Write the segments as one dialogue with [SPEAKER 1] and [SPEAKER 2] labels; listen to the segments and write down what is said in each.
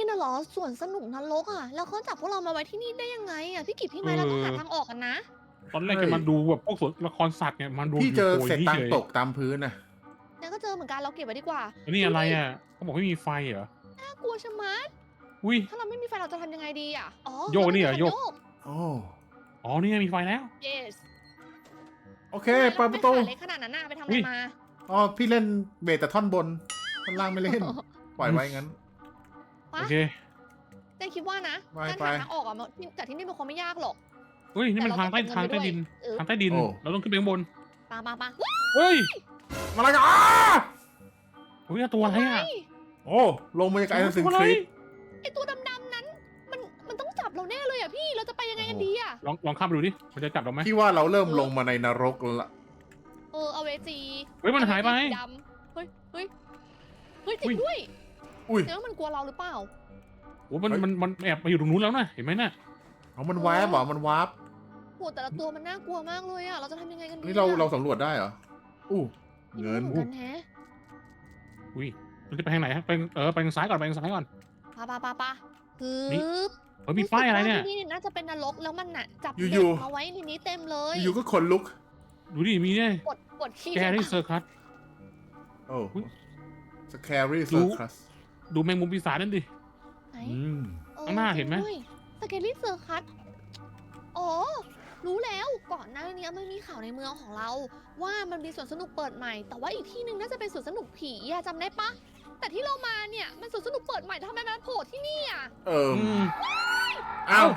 [SPEAKER 1] น่ะเหรอสวนสนุกนรกอ่ะแล้วเขาจับพวกเรามาไว้ที่นี่ได้ยังไงอ่ะพี่กิจพี่
[SPEAKER 2] เอ
[SPEAKER 1] ไม้เราต้องหา
[SPEAKER 2] อ
[SPEAKER 1] ทางออกกันนะ
[SPEAKER 2] ตอนแรก
[SPEAKER 3] เฮ้ย
[SPEAKER 2] จะมาดูแบบพวกสวนละครสัตว์เนี่ยมาดู
[SPEAKER 3] พี่
[SPEAKER 2] อยู่
[SPEAKER 3] เจอ
[SPEAKER 2] โผล่
[SPEAKER 3] เศษตัง
[SPEAKER 2] นี่เฉย
[SPEAKER 3] ค์ตกตามพื้นน่ะ
[SPEAKER 1] งั้นก็เจอเหมือนกันเราเก็บไว้ดีกว่า
[SPEAKER 2] อันนี้
[SPEAKER 1] ดูดิ
[SPEAKER 2] อะไรอ่ะเขาบอกไม่มีไฟเหรอ
[SPEAKER 1] น่ากลัวชะมัด
[SPEAKER 2] อุ้ย
[SPEAKER 1] ถ้าเราไม่มีไฟเราจะทำยังไงดีอ่ะอ๋อ
[SPEAKER 2] โยก
[SPEAKER 1] เราไม่
[SPEAKER 2] นี่เหรอโยก
[SPEAKER 1] มีคันโยก
[SPEAKER 3] โอ้
[SPEAKER 2] อ๋อนี่ไงมีไฟแล้ว
[SPEAKER 1] yes
[SPEAKER 3] โอเค
[SPEAKER 1] ทำไมเรา
[SPEAKER 3] เปิดประตู
[SPEAKER 1] ไม่ขาเล็กขนาดนั้นน่ะไปทำอะไรมา
[SPEAKER 3] อ๋อพี่เล่นเบสแต่ท่อนบนท่อนล่างไม่เล่น ปล่อยไว้งั้น
[SPEAKER 1] ปะ
[SPEAKER 2] โอเค
[SPEAKER 1] เจ๊คิดว่านะ
[SPEAKER 3] ไป
[SPEAKER 1] การ
[SPEAKER 3] ไป
[SPEAKER 1] หาทางออกอ่ะมันจากที่นี่มันคงไม่ยากหรอก
[SPEAKER 2] เฮ้ยนี่มัน
[SPEAKER 1] แต่
[SPEAKER 2] ทางใต้
[SPEAKER 1] เราต้องเก็บเงินไปด้วย
[SPEAKER 2] ดิน
[SPEAKER 1] เออ
[SPEAKER 2] ทางใต้ดิน
[SPEAKER 3] โอ้
[SPEAKER 2] เราต้องขึ้นไปข้างบน
[SPEAKER 1] ปะ
[SPEAKER 2] เฮ้ย
[SPEAKER 3] มาแล้วกันอ้า
[SPEAKER 2] เฮ้ยตัวอะไรอ่ะ
[SPEAKER 3] โอ้ลงมาจากไอ้สิง
[SPEAKER 2] ตัว
[SPEAKER 3] ค
[SPEAKER 2] อะไร
[SPEAKER 3] ริส
[SPEAKER 1] ไอตัวดำๆนั้นมันต้องจับเราแน่เลยอ่ะพี่เราจะไปยังไงกันดีอ่ะ
[SPEAKER 2] ลองข้ามไปดูดิมันจะจับเราไหม
[SPEAKER 3] พี่ว่าเราเริ่มลงมาในนรกแล้วล่ะ
[SPEAKER 1] เอาเวจี
[SPEAKER 2] เฮ้ยมันหายไป
[SPEAKER 1] เอเวจีสีดำเฮ้ยจริงด้วย
[SPEAKER 3] อุ้ย
[SPEAKER 1] แต่ว่ามันกลัวเราหรือเปล่า
[SPEAKER 2] โอ้มันแอบมาอยู่ตรงนู้นแล้วนะเห็นไหมน่ะ
[SPEAKER 3] เอามันวาร์ปเหรอมันวาร์ป
[SPEAKER 1] โหแต่ละตัวมันน่ากลัวมากเลยอ่ะเราจะทำยังไงกันดี
[SPEAKER 3] นี่เราสำรวจได้เหรออู้
[SPEAKER 1] ไม่
[SPEAKER 3] เงิน
[SPEAKER 1] รู้เหมือนกันแฮะ
[SPEAKER 2] อุ้ยมันจะไปทางไหนฮะไปไปทางซ้ายก่อนไปทางซ้ายก่อน
[SPEAKER 1] ปะคือ
[SPEAKER 2] นี่ เฮ้ยมีป้ายอะไรเนี่ย
[SPEAKER 1] ที่นี่น่าจะเป็นนรกแล้วมันน่ะจับ
[SPEAKER 3] อยู่
[SPEAKER 1] เด็กมาไว้ในนี้เต็มเลย
[SPEAKER 3] อยู่ก็ขนลุก
[SPEAKER 2] ดูดิมีเนี่ย
[SPEAKER 1] กดขี้
[SPEAKER 2] แกรี่เซอร์คัส
[SPEAKER 3] โอ้
[SPEAKER 2] อุ๊ย
[SPEAKER 3] สแครี่
[SPEAKER 2] รู้
[SPEAKER 3] เซอร์คัส
[SPEAKER 2] ดูแมงมุมปีศาจนั่นดิ
[SPEAKER 1] ไหน
[SPEAKER 2] ข้างหน้าเห็นไหม
[SPEAKER 1] สเกลลี่เซอร์คัสอ๋อ รู้แล้วก่อนหน้านี้มันมีข่าวในเมืองของเรา ว่ามันมีสวนสนุกเปิดใหม่ แต่ว่าอีกที่หนึ่งน่าจะเป็นสวนสนุกผีอะจำได้ปะแต่ที่เรามาเนี่ยมันสวนสนุกเปิดใหม่ทำไมมันโผล่ที่นี่อะ
[SPEAKER 2] อืม
[SPEAKER 3] เอ้าก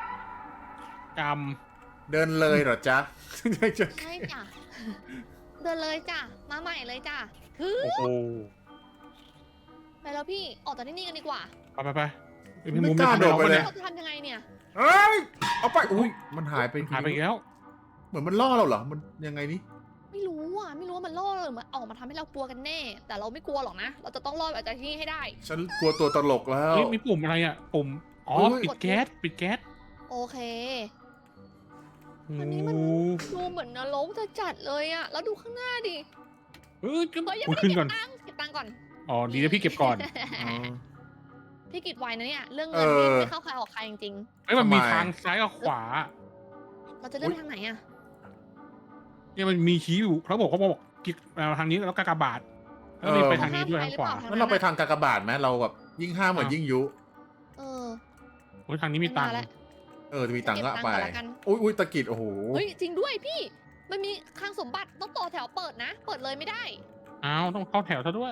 [SPEAKER 3] เดินเลยเหรอจ๊ะ
[SPEAKER 1] ใช่จ้ะ เดินเลยจ้ะ มาใหม่เลยจ้ะคือ
[SPEAKER 2] โอ้โห
[SPEAKER 1] ไปแล้วพี่ออกจากที่นี่กันดีกว่า
[SPEAKER 2] ไปไอ้แมง
[SPEAKER 3] ไม่
[SPEAKER 2] มุม
[SPEAKER 3] กล้า
[SPEAKER 2] เนี่ย
[SPEAKER 3] โดดไปเลย
[SPEAKER 1] เราจะทำยังไงเนี่ย
[SPEAKER 3] เฮ้ยเอาไปอุ้ยมันหายไป
[SPEAKER 2] หายไปอีกแล้ว
[SPEAKER 3] เหมือนมันล่อเราเหรอมันยังไงนี่
[SPEAKER 1] ไม่รู้ว่ามันล่อหรือมันออกมาทำให้เรากลัวกันแน่ แต่เราไม่กลัวหรอกนะ เราจะต้องรอดออกจากที่นี่ให้ได้
[SPEAKER 3] ฉันกลัวตัวตลกแล้ว
[SPEAKER 2] เฮ้ยมีปุ่มอะไรอ่ะปุ่มอ๋อ
[SPEAKER 3] เฮ้ย
[SPEAKER 2] ปิดแก๊สปิดแก๊ส
[SPEAKER 1] โอเค
[SPEAKER 2] โอ้
[SPEAKER 1] อันนี้มัน ดูเหมือนนรกจะจัดเลยอะแล้วดูข้างหน้าดิ
[SPEAKER 2] เฮ้ย
[SPEAKER 1] เฮ้ยยัง
[SPEAKER 2] คุ
[SPEAKER 1] ไม่
[SPEAKER 2] ย
[SPEAKER 1] ได้
[SPEAKER 2] ขึ้น
[SPEAKER 1] เก็
[SPEAKER 2] ก่อน
[SPEAKER 1] บตังค์เก็บตังค์ก่อน
[SPEAKER 2] อ๋อดีนะพี่เก็บก่อน
[SPEAKER 3] อ๋อ
[SPEAKER 1] พี่กิจไวนะเนี่ย เรื่องเงินนี่ไม่เข้าใครออกใครจริง
[SPEAKER 2] เฮ้ยมันมี
[SPEAKER 3] ทำไม
[SPEAKER 2] ทางซ้ายกับขวา
[SPEAKER 1] ๆ เราจะเลือกทางไหนอะ
[SPEAKER 2] เนี่ยมันมีชี้อยู่เขาบอกกิ๊กทางนี้แล้วกากบาทแล้วนี่ไปทางนี้ด้วยทางขวา
[SPEAKER 3] งั้นเราไปทางกากบาทไหมเราแบบยิ่งห้ามเหมือนยิ่งยุ
[SPEAKER 1] เออ
[SPEAKER 2] โอ้ยทางนี้มีตังค์
[SPEAKER 1] แล้ว
[SPEAKER 3] จะมีตังค์ก็ไป
[SPEAKER 1] เก็บตังค์ก่อนละกัน
[SPEAKER 3] อุ้ยตะกิดโอ้โห
[SPEAKER 1] เฮ้ยจริงด้วยพี่ มันมีคลังสมบัติต้องต่อแถวเปิดนะ เปิดเลยไม่ได้
[SPEAKER 2] อ้าวต้องเข้าแถวซะด้วย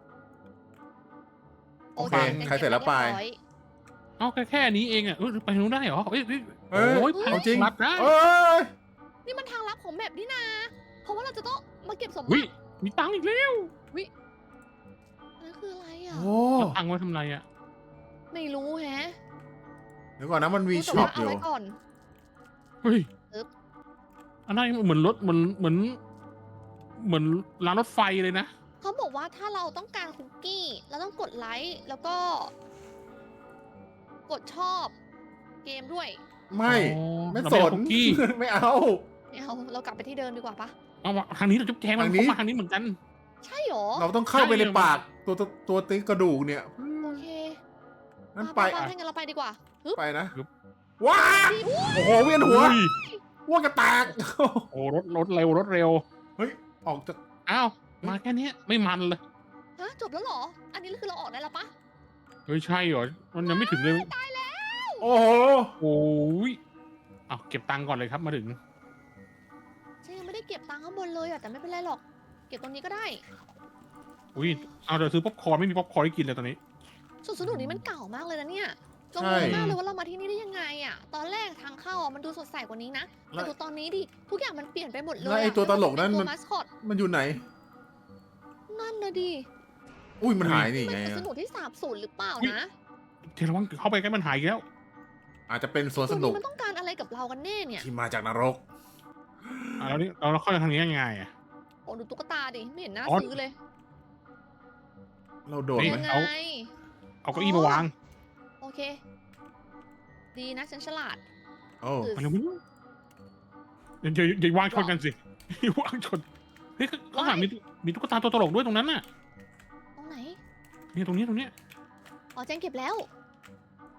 [SPEAKER 3] โอเคใครเสร็จแล้วไป
[SPEAKER 1] เรียบร้อย
[SPEAKER 2] เอาแค่นี้เองอ่ะไปทางนู้นได้เหรอเอ้ย
[SPEAKER 3] เอ้ย
[SPEAKER 2] โอ้ย
[SPEAKER 3] เอาจริง
[SPEAKER 2] รับได้
[SPEAKER 3] เอ้ย
[SPEAKER 1] นี่มันทางลับของแมปนี่นา เพราะว่าเราจะต้องมาเก็บสมบั
[SPEAKER 2] วิ
[SPEAKER 1] ติ
[SPEAKER 2] มีตังค์อีกแล้ว
[SPEAKER 1] นั่นคืออะไรอ่ะ
[SPEAKER 3] โอ้
[SPEAKER 2] เอาตังค์ไว้ทำไรอ่ะ
[SPEAKER 1] ไม่รู้แฮะ
[SPEAKER 3] เดี๋ยวก่อนนะมันมี
[SPEAKER 1] รู้แต่
[SPEAKER 3] ช็อป
[SPEAKER 1] ว่า
[SPEAKER 3] อ
[SPEAKER 1] เอา
[SPEAKER 3] ยู่
[SPEAKER 1] ไว้ก่อน
[SPEAKER 2] เฮ้ย
[SPEAKER 1] อึ๊บ
[SPEAKER 2] อันนั้นเหมือนรถเหมือนรางรถไฟเลยนะ
[SPEAKER 1] เขาบอกว่าถ้าเราต้องการคุกกี้เราต้องกดไลค์แล้วก็ กดชอบเกมด้วย
[SPEAKER 3] ไม่
[SPEAKER 2] อ๋อ
[SPEAKER 3] ไม่
[SPEAKER 2] เรา
[SPEAKER 3] ส
[SPEAKER 2] เอา
[SPEAKER 3] น
[SPEAKER 2] คุกกี้
[SPEAKER 3] ไม่เอา
[SPEAKER 1] เอาเรากลับไปที่เดิมดีกว่าปะ
[SPEAKER 2] เอาทางนี้เราจุ๊บแจงมัน
[SPEAKER 3] ทางนี้
[SPEAKER 2] เข้ามาทางนี้เหมือนกัน
[SPEAKER 1] ใช่หรอ
[SPEAKER 3] เราต้องเข้าไปใน
[SPEAKER 2] ใช่
[SPEAKER 3] ปากตัวติ๊กกระดูกเนี่ย
[SPEAKER 1] โอเค
[SPEAKER 3] นั่นไป
[SPEAKER 1] ถ้างั้นเราไปดีกว่าฮึบ
[SPEAKER 3] ไปนะว้าโอ้โหเวียนหัว
[SPEAKER 2] อุ้ย
[SPEAKER 3] ว่ากระแตก
[SPEAKER 2] โอ้รถเร็ว
[SPEAKER 3] เฮ้ยออกจาก
[SPEAKER 2] อ้าวมาแค่เนี้ยไม่มันเลย
[SPEAKER 1] ฮะจบแล้วเหรอ อันนี้คือเราออกได้แล้วปะ
[SPEAKER 2] เฮ้ยใช่เหรอมันยังไม่ถึงเลย
[SPEAKER 1] ตายแล้ว
[SPEAKER 3] โอ้โห
[SPEAKER 2] โอ้ยเอาเก็บตังค์ก่อนเลยครับมาถึง
[SPEAKER 1] ฉันยังไม่ได้เก็บตังค์ข้างบนเลยอะแต่ไม่เป็นไรหรอก เก็บตรงนี้ก็ได้
[SPEAKER 2] อุ้ยเอาเดี๋ยวซื้อป๊อปคอร์นไม่มีป๊อปคอร์นให้กินเลยตอนนี้
[SPEAKER 1] สวนสนุกนี้มันเก่ามากเลยนะเนี่ยเรา
[SPEAKER 3] ใช่
[SPEAKER 1] งงมากเลยว่าเรามาที่นี่ได้ยังไงอะตอนแรกทางเข้าอะมันดูสดใสกว่านี้นะแต่ดูตอนนี้ดิทุกอย่างมันเปลี่ยนไปหมดเลย
[SPEAKER 3] แล้วไอ้ตัวตลกนั่น
[SPEAKER 1] เป็
[SPEAKER 3] มัน
[SPEAKER 1] ตัวมาสคอต
[SPEAKER 3] มันอยู่ไหน
[SPEAKER 1] นั่นนะดิ
[SPEAKER 3] อุ้ยมันหายนี่
[SPEAKER 1] มัน
[SPEAKER 3] ไง
[SPEAKER 1] สวน
[SPEAKER 3] อะ
[SPEAKER 1] สนุกที่สาบสูญหรือเปล่านะ
[SPEAKER 2] เทระวังเข้าไปใกล้มันหายอีกแล้ว
[SPEAKER 3] อาจจะเป็นสวน
[SPEAKER 1] ตั
[SPEAKER 3] ส
[SPEAKER 1] ว
[SPEAKER 3] นุ
[SPEAKER 1] นี้
[SPEAKER 3] ก
[SPEAKER 1] มันต้องการอะไรกับเรากันแน่เนี่ย
[SPEAKER 3] ที่มาจากนรก
[SPEAKER 2] แล้วนี่เราเข้าทางนี้ยังไงอ่ะ
[SPEAKER 1] โอ้ดูตุ๊กตาดิไม่เห็นน่า
[SPEAKER 2] อ๋อ
[SPEAKER 1] ซื้อเลย
[SPEAKER 3] เราโดด
[SPEAKER 2] นี่
[SPEAKER 3] ไหม
[SPEAKER 1] ยังไง
[SPEAKER 2] เอาเก้าอี้มาวาง
[SPEAKER 1] โอเค ดีนะฉันฉลาด
[SPEAKER 3] โอ้
[SPEAKER 2] ไปเร็วอย่าวางชนกันสิอย่าวางชนเฮ้ยข้างหลังมีตุ๊กตาตัวตลกด้วยตรงนั้นน่ะ
[SPEAKER 1] ตรงไหน
[SPEAKER 2] นี่ตรงนี้
[SPEAKER 1] อ๋อแจงเก็บแล้ว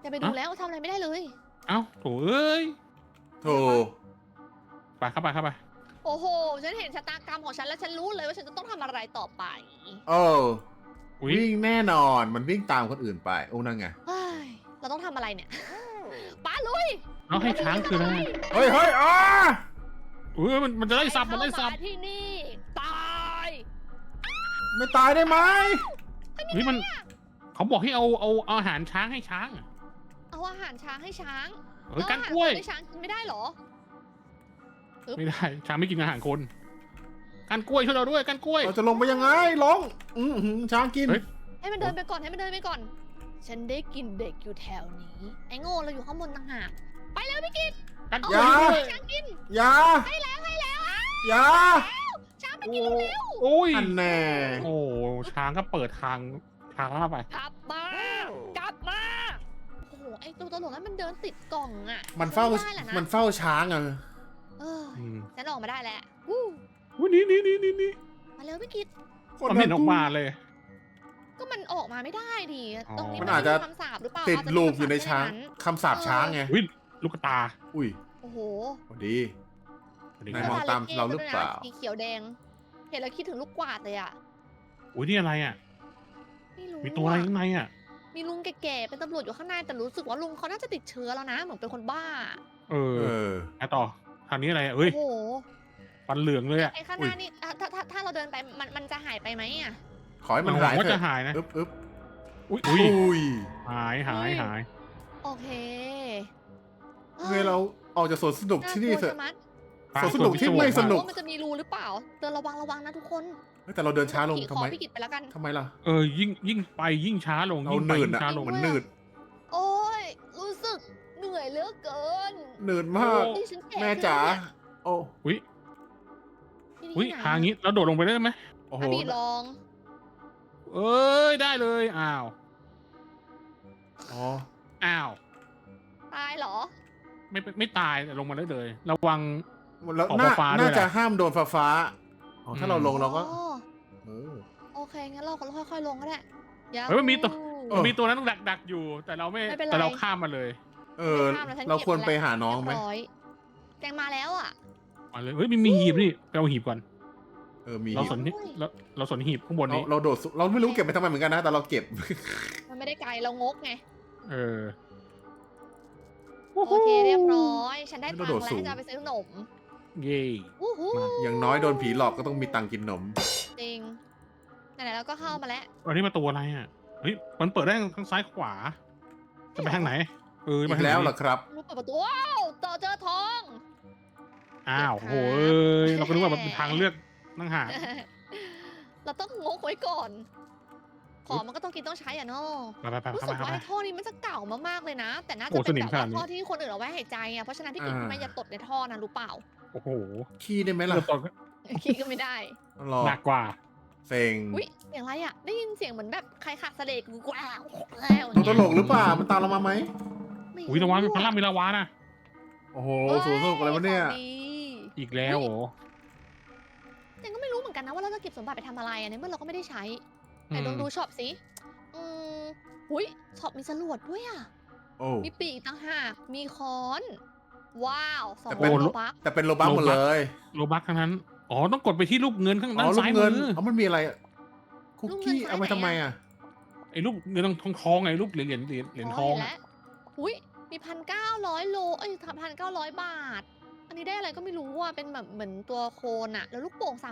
[SPEAKER 1] จะไปดูแล้วทำอะไรไม่ได้เลย
[SPEAKER 2] เอ้าโถเอ้ย
[SPEAKER 3] โถ
[SPEAKER 2] ไปเข้าไปเข้าไป
[SPEAKER 1] โอ้โห ฉันเห็นชะตากรรมของฉันแล้วฉันรู้เลยว่าฉันจะต้องทำอะไรต่อไป
[SPEAKER 3] โอ้
[SPEAKER 2] อุ้ย
[SPEAKER 3] วิ่งแน่นอน มันวิ่งตามคนอื่นไป โอ้นั่นไง
[SPEAKER 1] เฮ้ย เราต้องทำอะไรเนี่ยป้าลุย
[SPEAKER 2] เอาให้ช้างคืออะไร
[SPEAKER 3] เฮ้ยอ้า
[SPEAKER 2] อุ้ยมันจะไล่สับมันไล่สับ
[SPEAKER 1] เข้าาที่นี่ ตาย
[SPEAKER 3] ไม่ตายได้ไหม
[SPEAKER 2] เฮ้ยมันเขาบอกให้เอาอาหารช้างให้ช้างอะ
[SPEAKER 1] เอาอาหารช้างให้ช้าง
[SPEAKER 2] เฮ้ยกันกล้วย
[SPEAKER 1] แอาอาหารคนให้ช้างกินไม่ได้เหรอ
[SPEAKER 2] ไม่ได้ช้างไม่กินอาหารคนกันกล้วยช่วยเราด้วยกันกล้วย
[SPEAKER 3] เราจะลงไปยังไง ลง ช้างกิน
[SPEAKER 2] เฮ้ย
[SPEAKER 1] ให้มันเดินไปก่อนให้มันเดินไปก่อน ฉันได้กินเด็กอยู่แถวนี้ ไอ้โง่เราอยู่ข้างบนต่างหากไปแล้วพี่กิต
[SPEAKER 2] กันก
[SPEAKER 3] อ
[SPEAKER 2] ล้วย
[SPEAKER 3] ย่า
[SPEAKER 2] ช่วยด้วย
[SPEAKER 1] ช้างกิน
[SPEAKER 3] อย่า
[SPEAKER 1] ให้แล้วอ่ะ
[SPEAKER 3] อย่า
[SPEAKER 1] ช้างไปกินเร็ว
[SPEAKER 2] โอ้ย
[SPEAKER 3] อันแน่
[SPEAKER 2] โอ้ช้างก็เปิดทางช้างเข้าไป
[SPEAKER 1] กลับมากลับมาโอ้โหไอ้ตัวตลกนั้นมันเดินติดกล่องอ่ะ
[SPEAKER 3] มันเฝ้า
[SPEAKER 1] ไม่ได้แหละนะ
[SPEAKER 3] มันเฝ้าช้างอ่ะ
[SPEAKER 1] เออ
[SPEAKER 2] อืม
[SPEAKER 1] ฉันออกมาได้แล้ววู้
[SPEAKER 2] อุ้ยนี่
[SPEAKER 1] มาเร็วพี่กิต
[SPEAKER 2] มันเห็นออกมาเลย
[SPEAKER 1] ก็มันออกมาไม่ได้ดิ
[SPEAKER 2] อ๋อ
[SPEAKER 1] ตรงนี้
[SPEAKER 3] มั
[SPEAKER 1] มัน น
[SPEAKER 3] อาจจะ
[SPEAKER 1] มีคำสาปหรือเปล่า
[SPEAKER 3] ติด
[SPEAKER 1] อาจจะมี
[SPEAKER 3] ลูก
[SPEAKER 1] คำ
[SPEAKER 3] อยู่ในช้าง
[SPEAKER 1] แค่
[SPEAKER 3] คำสาปช้างไง
[SPEAKER 2] อุ้ยลูกตา
[SPEAKER 3] อุ้ย
[SPEAKER 1] โอ้โห
[SPEAKER 3] พอดี
[SPEAKER 2] ไห
[SPEAKER 3] นายมองตามเราหรือเปล่า
[SPEAKER 1] สีเขียวแดง เห็นแล้วคิดถึงลูกกวาดเลยอ่ะ
[SPEAKER 2] อุ้ยนี่อะไรอ่ะ
[SPEAKER 1] ไม่รู้
[SPEAKER 2] มีตัวอะไรข้างในอ่ะ
[SPEAKER 1] มีลุงแก่ๆเป็นตำรวจอยู่ข้างในแต่รู้สึกว่าลุงเขาน่าจะติดเชื้อแล้วนะ เหมือนเป็นคนบ้า
[SPEAKER 2] เออ
[SPEAKER 3] เออ
[SPEAKER 2] ไอต่อทางนี้อะไรอะเอ้ย
[SPEAKER 1] โอ้โห
[SPEAKER 2] ฟันเหลืองเลยอ่ะ
[SPEAKER 1] ไอ้ข้างหน้านี่ถ้าเราเดินไปมันจะหายไปไหมอ่ะ
[SPEAKER 3] ขอให้มัน
[SPEAKER 2] ห
[SPEAKER 3] หาย
[SPEAKER 2] ว่า
[SPEAKER 3] เถ
[SPEAKER 2] จะ
[SPEAKER 3] อะ
[SPEAKER 2] หายนะ
[SPEAKER 3] อึ๊บ
[SPEAKER 2] อุ้ย
[SPEAKER 3] อุ้ย
[SPEAKER 2] หาย
[SPEAKER 1] โอเค
[SPEAKER 3] เมื่อเราออกจากสวนสนุกที่นี่เถอะ
[SPEAKER 1] ากลัวชะมัด
[SPEAKER 3] สวนสนุกที่ไม่สนุก
[SPEAKER 1] ว่ามันจะมีรูหรือเปล่าเดินระวังนะทุกคน
[SPEAKER 3] เฮ้ยแต่เราเดินช้าลง
[SPEAKER 1] ขี่
[SPEAKER 3] ทำ
[SPEAKER 1] คอ
[SPEAKER 3] ไม
[SPEAKER 1] พี่กิตไปแล้วกัน
[SPEAKER 3] ทำไมล่ะ
[SPEAKER 2] เออยิ่งไปยิ่งช้าลง
[SPEAKER 3] เรา
[SPEAKER 2] ยิ่งไป
[SPEAKER 3] หนืด
[SPEAKER 2] ยิ่ง
[SPEAKER 3] อ่ะ
[SPEAKER 2] ช้าลง
[SPEAKER 3] มันหนืด
[SPEAKER 1] โอ้ยรู้สึกเหนื่อยเหลือเกิน
[SPEAKER 3] หนืดมาก
[SPEAKER 1] นี่ฉันแก่
[SPEAKER 3] แม่จ๋า
[SPEAKER 1] ขึ้นแล้วเนี่ย
[SPEAKER 3] โอ้
[SPEAKER 2] อุ้ย
[SPEAKER 1] ที่
[SPEAKER 2] อุ้ย
[SPEAKER 1] ไหน
[SPEAKER 2] ทางนี้เราโดดลงไปได้ไหม
[SPEAKER 3] โอ้โห
[SPEAKER 1] อ่ะพี่ลอง
[SPEAKER 2] เอ้ยได้เลยอ้าว
[SPEAKER 3] อ๋อ
[SPEAKER 2] อ้าว
[SPEAKER 1] ตายเหรอ
[SPEAKER 2] ไม่ตายแต่ลงมาได้เลย ระวัง
[SPEAKER 3] แล้ว
[SPEAKER 2] ออก
[SPEAKER 3] น่า
[SPEAKER 2] ฟ้าๆด้วย
[SPEAKER 3] น่า
[SPEAKER 2] นะ
[SPEAKER 3] จะห้ามโดนฟ้าอ๋อถ้าเราลงเราก็
[SPEAKER 1] อ๋อ
[SPEAKER 3] เออ
[SPEAKER 1] โอเค งั้นเราค่อยๆลงก็ได้
[SPEAKER 2] เฮ้ยมันมีตัว
[SPEAKER 3] เออ
[SPEAKER 2] มีตัวนั้นดักอยู่ แต่เราไม่
[SPEAKER 1] ไม่เป็นไร
[SPEAKER 2] แต่เราข้ามมาเลย
[SPEAKER 3] เออ เราควรไปหาน้องไหม
[SPEAKER 1] เรียบร้อยแจงมาแล้วอ่ะ
[SPEAKER 2] มาเลยเฮ้ยมีหีบนี่ไปเอาหีบก่อน
[SPEAKER 3] เออมี
[SPEAKER 2] เราสนนี่เราสนหีบข้างบนนี้
[SPEAKER 3] เราโดดเราไม่รู้เก็บไปทำไมเหมือนกันนะ แต่เราเก็บ
[SPEAKER 1] มันไม่ได้ไกลเรางกไง
[SPEAKER 2] เออ
[SPEAKER 1] โอเคเรียบร้อย ฉันได้ตัง
[SPEAKER 3] กระ
[SPEAKER 1] ค์
[SPEAKER 3] โด
[SPEAKER 1] แล้ว
[SPEAKER 3] ดสูง
[SPEAKER 1] จะเอาไปซื้อขนม
[SPEAKER 2] เย่
[SPEAKER 1] วู้ฮู้
[SPEAKER 2] มา
[SPEAKER 3] อย่างน้อยโดนผีหลอกก็ต้องมีตังค์กินนม
[SPEAKER 1] จริงไหนๆเราก็เข้ามาแล้ว
[SPEAKER 2] อันนี้ประตูอะไรอ่ะเฮ้ยมันเปิดได้ทั้งซ้ายขวา จะไปทางไหนเออ
[SPEAKER 3] อี
[SPEAKER 2] ไป
[SPEAKER 3] ก
[SPEAKER 2] ทางไหน
[SPEAKER 3] แล้วเหรอครับ
[SPEAKER 1] รู้เปิดประตูว้าวเจอทอง
[SPEAKER 2] อ้าว
[SPEAKER 1] เก็บ
[SPEAKER 2] โห
[SPEAKER 1] ขา
[SPEAKER 2] เอ้ยเราก็นึกว่ามันเป็นทางเลือกนั่งหา
[SPEAKER 1] เราต้องงกไว้ก่อน ของมันก็ต้องกินต้องใช้อ่ะเนาะ
[SPEAKER 2] ไป
[SPEAKER 1] รู้
[SPEAKER 2] เข้า
[SPEAKER 1] สึ
[SPEAKER 2] ไป
[SPEAKER 1] ก
[SPEAKER 2] เข้า
[SPEAKER 1] ว่า
[SPEAKER 2] ไป
[SPEAKER 1] ไอ้ท่อนี้มันจะเก่ามากๆเลยนะ แต่น่า
[SPEAKER 2] โอ้
[SPEAKER 1] จะเป็น
[SPEAKER 2] สนิม
[SPEAKER 1] แบบ
[SPEAKER 2] ขนา
[SPEAKER 1] ว่า
[SPEAKER 2] ดนี้
[SPEAKER 1] ท่อที่คนอื่นเอาไว้หายใจอ่ะ เพราะฉะนั้นพี่กินทำไมอย่าตดในท่อนะรู้เปล่า
[SPEAKER 2] โอ้โห
[SPEAKER 3] ขี้ได้ไหมล่ะ
[SPEAKER 2] เริ่มต้น
[SPEAKER 1] คิดก็ไม่ได้
[SPEAKER 3] รอ
[SPEAKER 2] หนักกว่า
[SPEAKER 3] เซ็ง
[SPEAKER 1] อุ้ยเสียงอะไรอ่ะ ได้ยินเสียงเหมือนแบบใครขาดเสลกกว้าว
[SPEAKER 3] ตัวตลกหรือเปล่า มันตามเรามาไหม
[SPEAKER 2] อุ้ยระวังมีพลังมีลาวานะ
[SPEAKER 3] โอ้โหสวนสนุกอะไรวะเนี่ย
[SPEAKER 1] ของดี
[SPEAKER 2] อีกแล้วโอ้
[SPEAKER 1] แต่ก็ไม่รู้เหมือนกันนะว่าเราจะเก็บสมบัติไปทำอะไรอ่ะในเมื่อเราก็ไม่ได้ใช้ไหนลองดูช็อปสิอุ้ยช็อปมีจรวดด้วยอ่ะ
[SPEAKER 3] โอ้
[SPEAKER 1] มีปีกต่างหาก มีค้อน ว้าวสอง
[SPEAKER 3] แต่เป็น
[SPEAKER 1] โลบัก
[SPEAKER 3] แต่เป็นโลบักหมดเลย
[SPEAKER 2] โลบักทั้งนั้นอ๋อต้องกดไปที่รูปเงินข้าง
[SPEAKER 3] อ๋
[SPEAKER 2] ด้า
[SPEAKER 3] อน ลูก
[SPEAKER 2] ซ้าย
[SPEAKER 3] เงิ
[SPEAKER 2] มื
[SPEAKER 3] น
[SPEAKER 2] อ
[SPEAKER 3] อ๋อมันมีอะไรอะคุกกี้เอาไปทำไมอ่ะ
[SPEAKER 2] ไอ้รูปเงินทองไงรูปเหรียญทอง
[SPEAKER 1] เห็นแล้วอุ้ยมี1,900 โล เอ้ย1,900 บาท อันนี้ได้อะไรก็ไม่รู้อ่ะ เป็นแบบเหมือนตัวโคนอ่ะ แล้วลูกโป่ง300